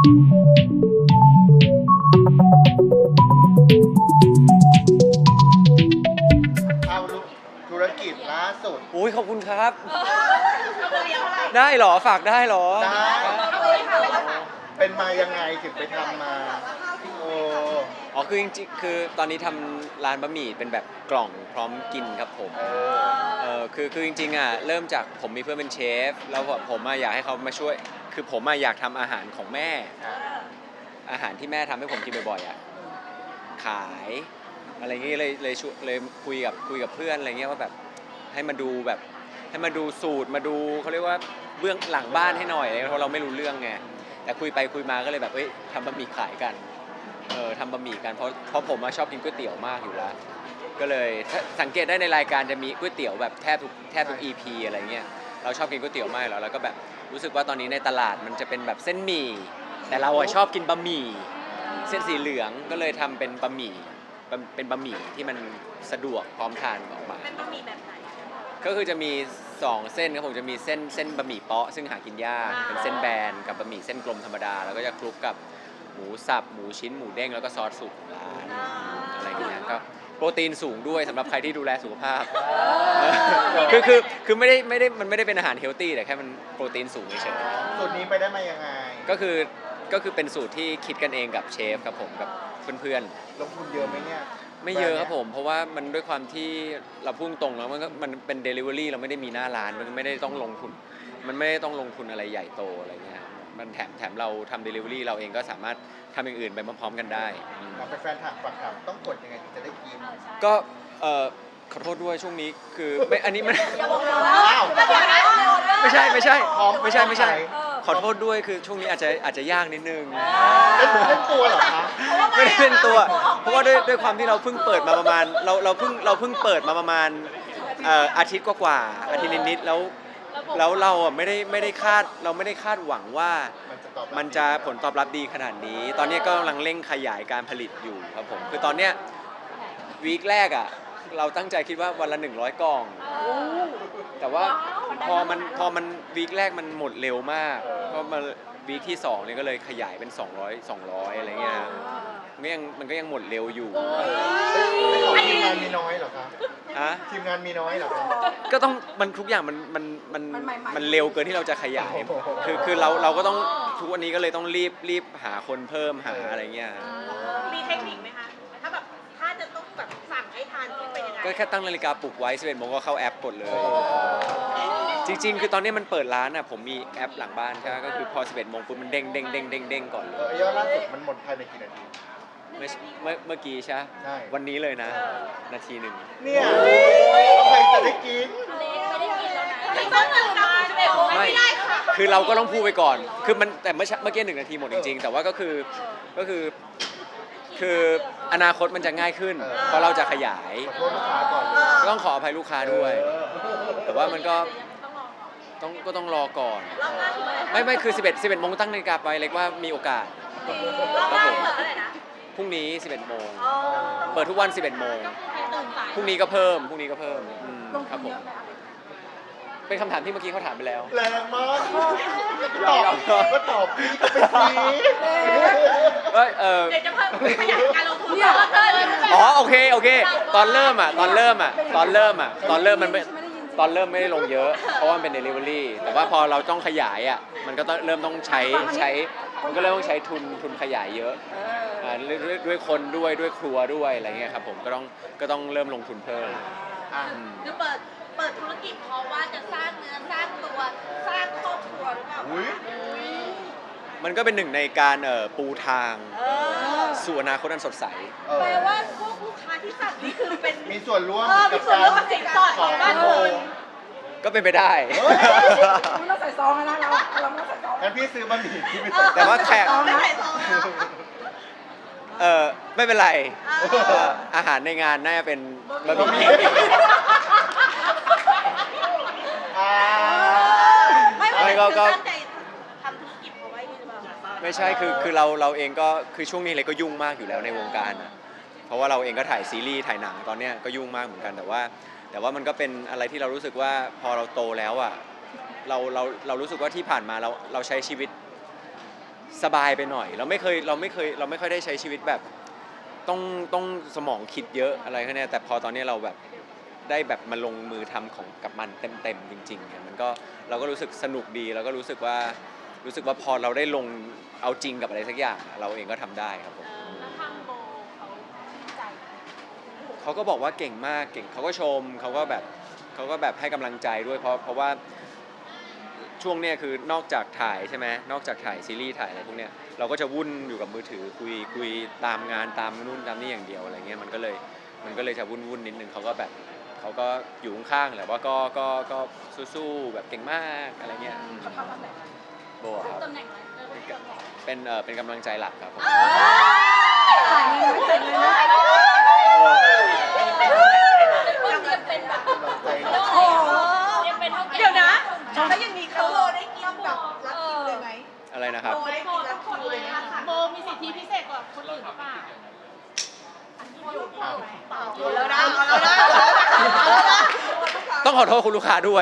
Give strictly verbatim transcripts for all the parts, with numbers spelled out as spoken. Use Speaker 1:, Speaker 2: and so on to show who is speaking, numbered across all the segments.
Speaker 1: เอาธุรกิจล่าสุด
Speaker 2: อุ้ยขอบคุณครับได้เหรอฝากได้เหรอ
Speaker 1: ได้เป็นมายังไงถึงไปทำมาโอ้
Speaker 2: อ๋อคือจริงๆคือตอนนี้ทำร้านบะหมี่เป็นแบบกล่องพร้อมกินครับผมเออคือคือจริงๆอ่ะเริ่มจากผมมีเพื่อนเป็นเชฟแล้วผมอ่ะอยากให้เขามาช่วยคือผมอ่ะอยากทำอาหารของแม่อาหารที่แม่ทำให้ผมกินบ่อยๆอ่ะขายอะไรเงี้ยเลยเลยช่วยเลยคุยกับคุยกับเพื่อนอะไรเงี้ยว่าแบบให้มาดูแบบให้มาดูสูตรมาดูเขาเรียกว่าเบื้องหลังบ้านให้หน่อยเพราะเราไม่รู้เรื่องไงแต่คุยไปคุยมาก็เลยแบบเอ้ยทำบะหมี่ขายกันเออทำบะหมี่กันเพราะเพราะผมชอบกินก๋วยเตี๋ยวมากอยู่แล้วก็เลยสังเกตได้ในรายการจะมีก๋วยเตี๋ยวแบบแทบทุกแทบทุก อี พี อะไรเงี้ยเราชอบกินก๋วยเตี๋ยวมากแล้วแล้วก็แบบรู้สึกว่าตอนนี้ในตลาดมันจะเป็นแบบเส้นหมี่แต่เราชอบกินบะหมี่เส้นสีเหลืองก็เลยทำเป็นบะหมี่เป็นบะหมี่ที่มันสะดวกพร้อมทานออกมา
Speaker 3: เป็นบะหมี่แบบไหน
Speaker 2: ก็คือจะมีสองเส้นครับผมจะมีเส้นเส้นบะหมี่เปาะซึ่งหากินยากเป็นเส้นแบนกับบะหมี่เส้นกลมธรรมดาแล้วก็จะคลุกกับหมูสับหมูชิ้นหมูเด้งแล้วก็ซอสสูตรของร้านอะไรอย่างเงี้ยก็โปรตีนสูงด้วยสำหรับใครที่ดูแลสุขภาพคือคือคือไม่ได้ไม่ได้มันไม่ได้เป็นอาหารเฮลตี้แต่แค่มันโปรตีนสูงเฉย
Speaker 1: ๆสูตรนี้ไปได้มายังไง
Speaker 2: ก็คือก็คือเป็นสูตรที่คิดกันเองกับเชฟครับผมกับเพื่อน
Speaker 1: ๆลงทุนเยอะไหมเนี่ย
Speaker 2: ไม่เยอะครับผมเพราะว่ามันด้วยความที่เราพุ่งตรงแล้วมันก็มันเป็น delivery เราไม่ได้มีหน้าร้านมันไม่ได้ต้องลงทุนมันไม่ได้ต้องลงทุนอะไรใหญ่โตอะไรเงี้ยมันแถมแถมเราทำ delivery เราเองก็สามารถทำอย่างอื่นไปพร้อมๆกันได้
Speaker 1: เราเป็นแฟนถามฝากถามต้องกดยังไงถึงจะได้กิน
Speaker 2: ก็เอ่อขอโทษด้วยช่วงนี้คือไม่อันนี้มันไม่ใช่ไม่ใช่ไม่ใช่ไม่ใช่ขอโทษด้วยคือช่วงนี้อาจจะอาจจะยากนิดนึง
Speaker 1: เล่นตัวเหรอคะ
Speaker 2: ไม่ได้เป็นตัวเพราะว่าด้วยด้วยความที่เราเพิ่งเปิดมาประมาณเราเราเพิ่งเราเพิ่งเปิดมาประมาณอาทิตย์กว่าๆอาทิตย์นิดๆแล้วแล้วเราอ่ะไม่ได้ไม่ได้คาดเราไม่ได้คาดหวังว่ามันจะผลตอบรับดีขนาดนี้ตอนนี้ก็กำลังเร่งขยายการผลิตอยู่ครับผมคือตอนเนี้ยวีคแรกอ่ะเราตั้งใจคิดว่าวันละหนึ่งร้อยกล่องแต่ว่าพอมันพอมันวีคแรกมันหมดเร็วมากเพราะมันวีคที่สองเนี่ยก็เลยขยายเป็นสองร้อย สองร้อยอะไรเงี้ยมันยังมันก็ยังหมดเร็วอยู่
Speaker 1: ทีมงานมีน้อยเหรอครับ
Speaker 2: ฮะ
Speaker 1: ทีมงานมีน้อยเหรอครับ
Speaker 2: ก็ต้องมันทุกอย่างมันมันมันมันเร็วเกินที่เราจะขยายคือคือเราเราก็ต้องทุกวันนี้ก็เลยต้องรีบรีบหาคนเพิ่มหาอะไรเงี้ย
Speaker 3: มีเทคนิคไหมคะถ้าแบบถ้าจะต้องแบบสั่งให้ทานเป็นยังไง
Speaker 2: ก็แค่ตั้งนาฬิกาปลุกไว้สิบเอ็ดโมงก็เข้าแอปกดเลยจริงๆคือตอนนี้มันเปิดร้านอ่ะผมมีแอปหลังบ้านใช่ไหมก็คือพอสิบเอ็ดโมงปุ๊บมันเด้งเด้งเด้งเด้งเด้งก่อนเลย
Speaker 1: ยอดล่าสุดมันหมดภายในกี่นาที
Speaker 2: เมื่อเมื่อเมื่อกี้ใช่วันนี้เลยนะนาทีหนึ่ง
Speaker 1: เนี่ยแล้วใครจะได้กิน
Speaker 2: ไม่คือเราก็ต้องพูดไปก่อนคือมันแต่เมื่อเมื่อกี้หนึ่งนาทีหมดจริงๆแต่ว่าก็คือก็คือคืออนาคตมันจะง่ายขึ้นเพราะเราจะขยาย
Speaker 1: ขอโทษลูกค้าก่อน
Speaker 2: ก็ต้องขออภัยลูกค้าด้วยแต่ว่ามันก็ต้องก็ต้องรอก่อนไม่ไม่คือสิบเอ็ด สิบเอ็ดโมงตั้งนาฬิกาไปเล็กว่ามีโอกาสครับผมพรุ่งนี้สิบเอ็ดโมงเปิดทุกวันสิบเอ็ดโมงพรุ่งนี้ก็เพิ่มพรุ่งนี้ก็เพิ่มครับผมเป็นคำถามที่เมื่อกี้เขาถามไปแล้ว
Speaker 1: แรงมากตอบก็ตอบพี่ก็ไปซี
Speaker 2: เอ้ยเออ
Speaker 3: เดี๋ยวจะเพิ่มขยายการลงทุนเพิ่ม
Speaker 2: อ๋อโอเคโอเคตอนเริ่มอ่ะตอนเริ่มอ่ะตอนเริ่มอ่ะตอนเริ่มมันไม่ตอนเริ่มไม่ได้ลงเยอะเพราะว่ามันเป็น delivery แต่ว่าพอเราต้องขยายอ่ะมันก็ต้องเริ่มต้องใช้ใช้มันก็เริ่มต้องใช้ทุนทุนขยายเยอะด้วยด้วยคนด้วยด้วยครัวด้วยอะไรเงี้ยครับผมก็ต้องก็ต้องเริ่มลงทุนเพิ่ม
Speaker 3: คือเปิดเปิดธุรกิจเพราะว่าจะสร้างเนื้อสร้างตัวสร้างครอบครัวหรือเปล่า
Speaker 2: มันก็เป็นหนึ่งในการเอ่อปูทางสู่อนาคตอันสดใส
Speaker 3: แปลว่าพวกลูกค้าที่สั่งนี่คือเป็น
Speaker 1: มีส่วนร่วม
Speaker 3: กับการสินสอดของบ้านคุณ
Speaker 2: ก็เป็นไปได้
Speaker 4: มันต้องใส่ซองนะเราเราต้องใส่ซอง
Speaker 1: งั้นพี่ซื้อบะหมี่ที่ไม่ใส่
Speaker 2: แต่ว่าแขกเออไม่เป็นไรอาหารในงานน่าจะเป็นบะหมี่
Speaker 3: ไม่ก็ก็ทำธุรกิจเอาไว้นี่หรือเปล่า
Speaker 2: ไม่ใช่คือคือเราเราเองก็คือช่วงนี้เลยก็ยุ่งมากอยู่แล้วในวงการนะเพราะว่าเราเองก็ถ่ายซีรีส์ถ่ายหนังตอนเนี้ยก็ยุ่งมากเหมือนกันแต่ว่าแต่ว่ามันก็เป็นอะไรที่เรารู้สึกว่าพอเราโตแล้วอ่ะเราเราเรารู้สึกว่าที่ผ่านมาเราเราใช้ชีวิตสบายไปหน่อย เราไม่เคยเราไม่เคยเราไม่ค่อยได้ใช้ชีวิตแบบต้องต้องสมองคิดเยอะอะไรแค่นี้แต่พอตอนนี้เราแบบได้แบบมาลงมือทำของกับมันเต็มๆจริงๆเนี่ยมันก็เราก็รู้สึกสนุกดีแล้วก็รู้สึกว่ารู้สึกว่าพอเราได้ลงเอาจริงกับอะไรสักอย่างเราเองก็ทำได้ครับผม
Speaker 3: แล้วทางโบเขาชื่นใจไหม
Speaker 2: เขาก็บอกว่าเก่งมากเก่งเขาก็ชมเขาก็แบบเขาก็แบบให้กำลังใจด้วยเพราะเพราะว่าช่วงเนี้ยคือนอกจากถ่ายใช่ไหมนอกจากถ่ายซีรีส์ถ่ายอะไรพวกเนี้ยเราก็จะวุ่นอยู่กับมือถือคุยคุยตามงานตามนู่นตามนี่อย่างเดียวอะไรเงี้ยมันก็เลยมันก็เลยจะวุ่นวุ่นนิดนึงเขาก็แบบเขาก็อยู่ข้างๆแหละว่าก็ก็ก็สู้ๆแบบเก่งมากอะไรเงี้ยอืม
Speaker 4: เขาทำตำแหน่งอะไร
Speaker 2: โบครับ
Speaker 3: ตำแหน่งอะไรเรียกว่าตำแหน่ง
Speaker 2: เป็นเออเป็นกำลังใจหลักครับผม
Speaker 4: จ่ายเงินไหมจ่ายเงินไหม
Speaker 3: ยังเป็นแบบ
Speaker 1: ใจ
Speaker 4: โอ้โห
Speaker 3: ยังเป็นเท่าแก่
Speaker 5: เดี๋ยวนะแล้วยังมีเขาโลได้กินแบบรักคิวเลยไหม
Speaker 2: อะไรนะครับ
Speaker 5: โลได้กินรักคิวเลยไหม
Speaker 3: โบมีสิทธิพิเศษกว่าคนอื่นหรือเปล่า
Speaker 5: เอาแล้วนะเอาแล้วนะเอาแล้วนะ
Speaker 2: ต้องขอโทษคุณลูกค้าด้วย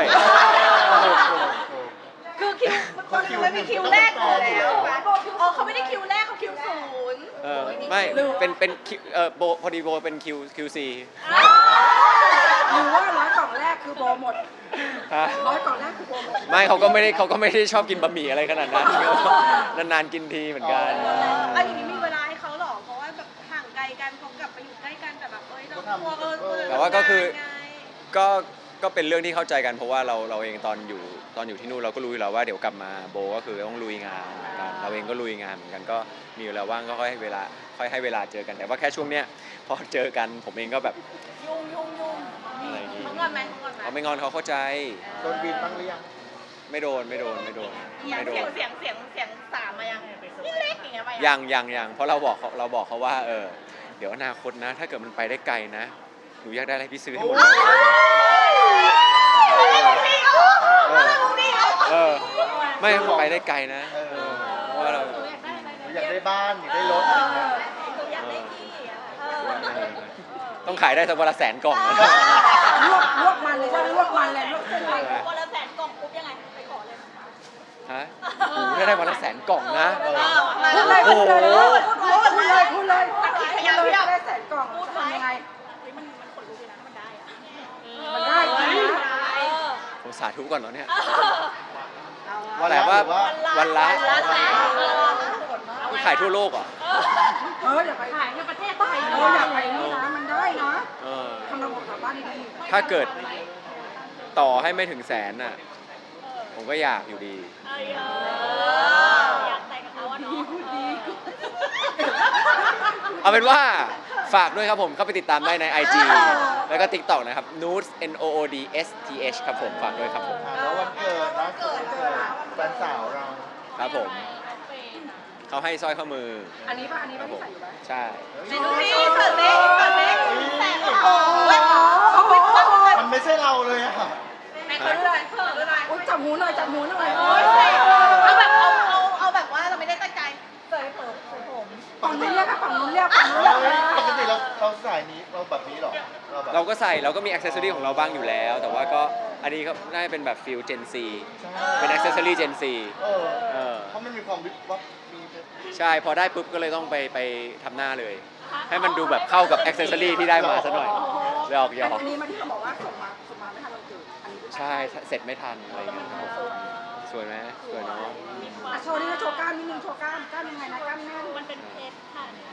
Speaker 5: คือคิวคนนึงไม่มีคิวแรกอยู่แล้วอ๋อเขาไม่ได้คิวแรกเขาคิวศูนย์
Speaker 2: เออไม่เป็นเป็นคิวเออโบพอดีโบเป็นคิวคิวซี
Speaker 4: หรือว่าร้อยกล่องแรกคือโบหมด
Speaker 2: ฮะ
Speaker 4: ร้อยกล่องแรกคือโบหมด
Speaker 2: ไม่เขาก็ไม่ได้เขาก็ไม่ได้ชอบกินบะหมี่อะไรขนาดนั้น นานๆกินทีเหมือนกัน
Speaker 5: อันนี้มีเวลาให้เขาหรอเพราะว่าแบบห่างไกลกันเขากลับไปอยู่ใกล้กันแต่แบบเอ้ยเรากลัวเออเออ
Speaker 2: แต่ว่าก็คือ ก็ก็เป็นเรื่องที่เข้าใจกันเพราะว่าเราเราเองตอนอยู่ตอนอยู่ที่นู่นเราก็รู้อยู่แล้วว่าเดี๋ยวกลับมาโบก็คือต้องลุยงานเหมือนกันเราเองก็ลุยงานเหมือนกันก็มีเวลาว่างก็ค่อยให้เวลาค่อยให้เวลาเจอกันแต่ว่าแค่ช่วงเนี้ยพอเจอกันผมเองก็แบบ
Speaker 3: ยุ่งยุ่งยุ่ง
Speaker 2: อะไรอย่างงี้
Speaker 3: เขางอนไหมเขางอนไหม
Speaker 2: เขาไม่งอนเขาเข้าใจ
Speaker 1: โดนบินบ้างหรือยัง
Speaker 2: ไม่โดนไม่โดนไม่โดน
Speaker 3: เสียง
Speaker 2: ไม่โด
Speaker 3: เสียง
Speaker 2: น
Speaker 3: เสียงเสียงเสียงสามมายังเล็กๆอย่างเงี้ยมายั
Speaker 2: ยังยังยังเพราะเราบอกเขาเราบอกเขาว่าเออเดี๋ยวอนาคตนะ ถ้าเกิดมันไปได้ไกลนะหนูอยากได้อะไรพี่ซื้อให้หมดเลยเออเออไม่ไปได้ไกลนะ
Speaker 1: เออ
Speaker 2: เพราะว่าเรา
Speaker 3: หนูอยากได้อะไร
Speaker 1: หนูอยากได้บ้านอยากได้รถอะไรอย่างเงี้ย
Speaker 3: หนูอยากได้ที่อะเออ
Speaker 2: ต้องขายได้สักวันละแสนกล่องนะ
Speaker 4: ลวกลวกมันเลยใช่ไหมลวกมันเลยลวกเส้นมัน
Speaker 3: วันละแสนกล่องปุ๊บยังไงไปขอเลย
Speaker 2: ฮะโอ้โหถ้าได้วันละแสนกล่องนะ
Speaker 1: เออ
Speaker 4: พูดเลยพูดเลย
Speaker 2: โอ้โห
Speaker 4: พูดเลยพูดเลยพูดเลยได้แสนกล่องจะทำยังไง
Speaker 3: เฮ้ยมันมันขนลุกเลยนะถ้ามันได้อะ
Speaker 4: มันได้จริงนะ
Speaker 3: เออ
Speaker 2: ผมสาธุก่อนเนาะเนี่ย
Speaker 1: วัน
Speaker 2: แต่
Speaker 1: ละ
Speaker 2: ว่า
Speaker 1: หรือว่า
Speaker 2: วันละ
Speaker 3: วันละแสนเออ
Speaker 2: คุณขายทั่วโลกเหรอ
Speaker 4: เอออย่าไป
Speaker 3: ขายในประเทศไทย
Speaker 4: เอออย่าไปนี่นะมันได้นะ
Speaker 2: เออ
Speaker 4: ทำระบบกลับบ้านดี
Speaker 2: ถ้าเกิดต่อให้ไม่ถึงแสนน่ะผมก็อยากอยู่ดี
Speaker 3: เอออยากแต่งกับเขาอะเนาะเออ
Speaker 2: เอาเป็นว่าฝากด้วยครับผมเข้าไปติดตามได้ใน ไอ จี แล้วก็ TikTok นะครับ Nood N O O D S T H ครับผมฝากด้วยครับผม
Speaker 1: อ่าแล้ววันเกิดนะเกิดเกิดแฟนสาวเรา
Speaker 2: ครับผมเขาให้สร้อยข้อมือ
Speaker 4: ๆอันนี้ป่ะอันนี้
Speaker 2: ครั
Speaker 4: ป่ะ
Speaker 2: บผ
Speaker 4: ที่
Speaker 2: ม
Speaker 4: ใส่อยู่ไหม
Speaker 2: ใช่
Speaker 5: ดูสิเสิร์ฟเล็กเสิร์ฟเล็กแสนโอ้ย
Speaker 1: มันไม่ใช่เราเลยอะ
Speaker 5: ไหนขอดูหน่อยขอดูหน่อย
Speaker 4: อุ้ยจับหูหน่อยจับหูหน่อย
Speaker 5: เอาแบบเอาเอาเอาแบบว่าเราไม่ได้ตั้งใจเสิร์ฟเปิดเสิร์ฟผม
Speaker 1: ป
Speaker 4: ฝั่ง
Speaker 1: กติ
Speaker 4: นู้นเรียกค่ะฝั่งนู้นเรียกฝั่งนู้นเรียก
Speaker 1: เฮ้ยปกติเราเราสายนี้เราแบบนี้เหรอเราแบบ
Speaker 2: เราก็ใส่เราก็มีอ c เซสซอรี่ของเราบ้างอยู่แล้ว แต่ว่าก็อันนี้ก็น่าจะเป็นแบบฟิล Gen Z
Speaker 1: ใช่
Speaker 2: เป็นอ c เซสซอรี่ Gen Z
Speaker 1: เออ
Speaker 2: เออ
Speaker 1: เพราะมันมีความวิบวับมี
Speaker 2: ใช่พอได้ปุ๊บก็เลยต้องไปไปทำหน้าเลย ให้มันดูแบบเข้ากับอ c เซสซอรี่ที่ได้มาซะหน่อยหยอกหยอก
Speaker 4: อันนี้มาที่เขาบอกว่าส่งมาส่งมาไม่ทันวันเกิดอันนี้
Speaker 2: ใช่เสร็จไม่ทันอะไรอย่างเงี้ยครับผมสวยไหมสวยเนาะ
Speaker 4: อ่ะโชว์นี่โชว์กล้ามนิดนึงโชว์กล้ามกล้ามยังไงนะกล้ามแน่น
Speaker 3: มันเป็นเพชรค่ะเนี่ย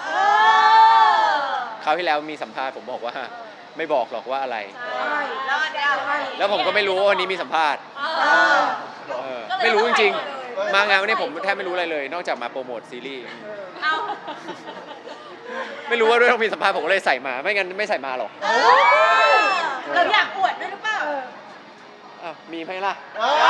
Speaker 2: คราวที่แล้วมีสัมภาษณ์ผมบอกว่าไม่บอกหรอกว่าอะไร
Speaker 4: ใช่
Speaker 5: แล้วเดี๋ยว
Speaker 4: ใช่
Speaker 2: แล้วผมก็ไม่รู้ว่าวันนี้มีสัมภาษณ์
Speaker 4: เออ
Speaker 2: เออไม่รู้จริงๆ มางานวันนี้ผมแทบไม่รู้อะไรเลย นอกจากมาโปรโมทซีรีส์
Speaker 3: เอา
Speaker 2: ไม่รู้ว่าด้วยต้องมีสัมภาษณ์ผมก็เลยใส่มา ไม่งั้นไม่ใส่มาหรอก
Speaker 5: เราอยากอวดด้วยหรือเปล่า
Speaker 2: อ้าวมีไหมล่ะ
Speaker 1: อ้าว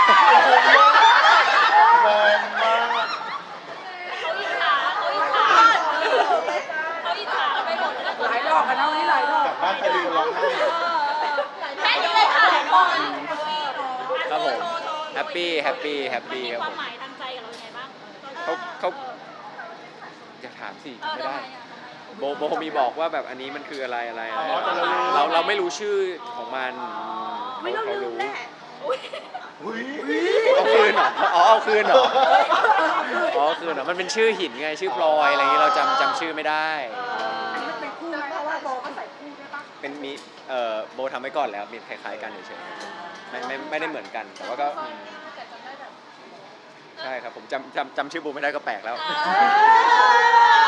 Speaker 1: แรงมาก
Speaker 3: เขาอิจฉาเขาอิจฉาเขาอิจฉาไปหมดแล้ว
Speaker 4: หลายรอบกันนะวันนี้หลายรอบ
Speaker 1: กลับบ้านไปดูร้องไห้
Speaker 3: แค่นี้เลยค่ะ
Speaker 2: ครับผมแฮปปี้แฮปปี้แฮปปี้
Speaker 3: มี
Speaker 2: ครับ
Speaker 3: ควา
Speaker 2: ผม ม
Speaker 3: หมายทางใจกับเรายังไงบ้าง
Speaker 2: เขาเขาอย่าถามสิ
Speaker 3: เออ
Speaker 2: ไม่
Speaker 3: ทำ
Speaker 2: ได้
Speaker 3: ไมอ่ะ
Speaker 2: โบโบมีบอกว่าแบบอันนี้มันคืออะไรอะไรอะไร
Speaker 1: อ๋อแต่เรารู้
Speaker 2: เราเราไม่รู้ชื่อของมัน
Speaker 5: ไม่ต้อง
Speaker 2: เขา
Speaker 5: ลืม
Speaker 2: รู้
Speaker 5: แน่
Speaker 1: อุ้ย
Speaker 2: เอาคืนเหรออ๋อเอาคืนเหรออ๋อโอคืนเหรอมันเป็นชื่อหินไงชื่อพลอยอะไรอย่างงี้เราจำจำชื่อไม่ได้
Speaker 4: อันนี้มันเป็นคู่ไหมเพราะว่าโบก็ใส่คู่ด้วยปะ
Speaker 2: เป็นมีเอ่อโบทำไว้ก่อนแล้วมีคล้ายๆกันเฉยๆไม่ไม่ไม่ได้เหมือนกันแต่ว่าก็อืมใช่ครับผมจำจำจำชื่อโบไม่ได้ก็แปลกแล้ว
Speaker 3: เออ